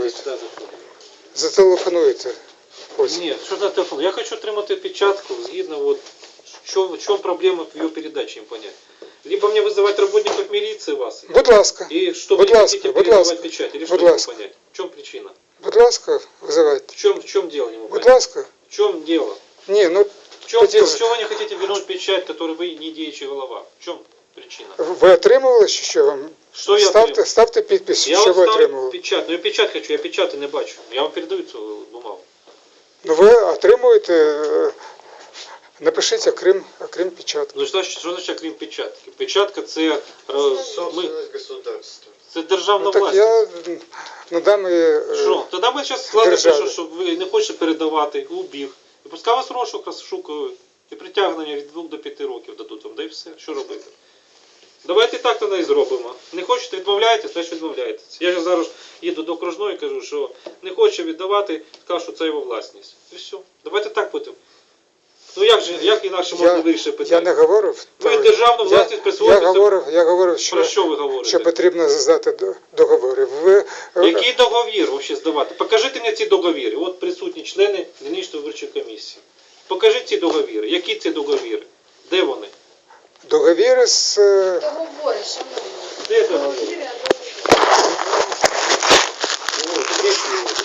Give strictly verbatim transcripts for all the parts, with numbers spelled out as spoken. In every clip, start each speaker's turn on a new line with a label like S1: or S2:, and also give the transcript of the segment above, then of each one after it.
S1: зателефонуйте.
S2: сюди заходимо.
S1: Зателефонуйте. Ось.
S2: Ні, що за телефон? Я хочу отримати печатку згідно, вот, що, в чому проблема в ее передаче, им понять. Либо мне вызывать работников милиции вас,
S1: Будь ласка.
S2: и что
S1: Будь
S2: вы не
S1: ласка,
S2: хотите
S1: будь
S2: передавать
S1: ласка.
S2: печать, или
S1: Будь
S2: что не могу
S1: ласка.
S2: понять? В чем причина?
S1: Будь ласка, визивайте.
S2: В чем, в чем дело, не могу
S1: Будь
S2: понять?
S1: ласка.
S2: В чем дело?
S1: Ні, ну
S2: В чем
S1: Хотел-
S2: дело? Чего вы не хотите вернуть печать, которую вы не деючий голова? В чем причина?
S1: ви отримували, чи що вам?
S2: Що я
S1: ставте,
S2: отримав?
S1: ставте підпис,
S2: Я
S1: що
S2: вот
S1: ви
S2: ставлю
S1: отримували.
S2: печать, но я печать хочу, я печати не бачу. Я вам передаю цю бумагу.
S1: Ну ви отримуєте, е, напишіть окрім, окрім печатки.
S2: Ну що, що значить крім печатки? Печатка це, е, ми,
S3: государства.
S2: це державна
S1: Ну так
S2: власність.
S1: я надам і... е,
S2: Що? Тоді ми зараз складемо,
S1: державі.
S2: що, що ви не хочете передавати, убіг. І пускай вас розшук розшукують. І притягнення від двох до п'яти років дадуть вам, да і все. Що робити? Давайте так тоді і зробимо. Не хочете відмовляєтесь, значить відмовляєтесь. Я ж зараз їду до окружної і кажу, що не хоче віддавати, кажу, що це його власність. І все. Давайте так будемо. Ну як же, як інакше можна
S1: Я,
S2: вирішити
S1: я
S2: питання?
S1: не говорив.
S2: Ви
S1: того.
S2: державну
S1: Я-
S2: власність
S1: Я
S2: присвоїте.
S1: говорив, я говорив,
S2: Про
S1: що,
S2: що ви говорите?
S1: що потрібно здати до- договори. Ви, е,
S2: Який договір взагалі здавати? Покажіть мені ці договіри. От присутні члени дільничної виборчої комісії. Покажіть ці договіри. Які ці договіри? Де вони?
S1: договіри з... е,
S4: Договори, шановні.
S2: Де договіри?
S4: Договіри, а договори.
S2: О, де ці договіри?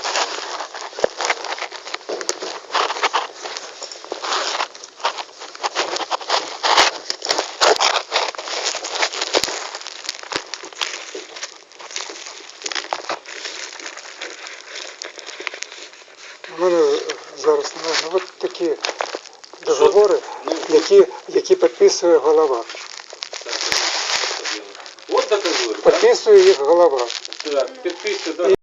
S1: У мене зараз немає. Ну, от такі договори,
S2: Ну,
S1: які, які підписує голова.
S2: От договори, так?
S1: Підписує їх голова.
S2: Так, підписуйте, да.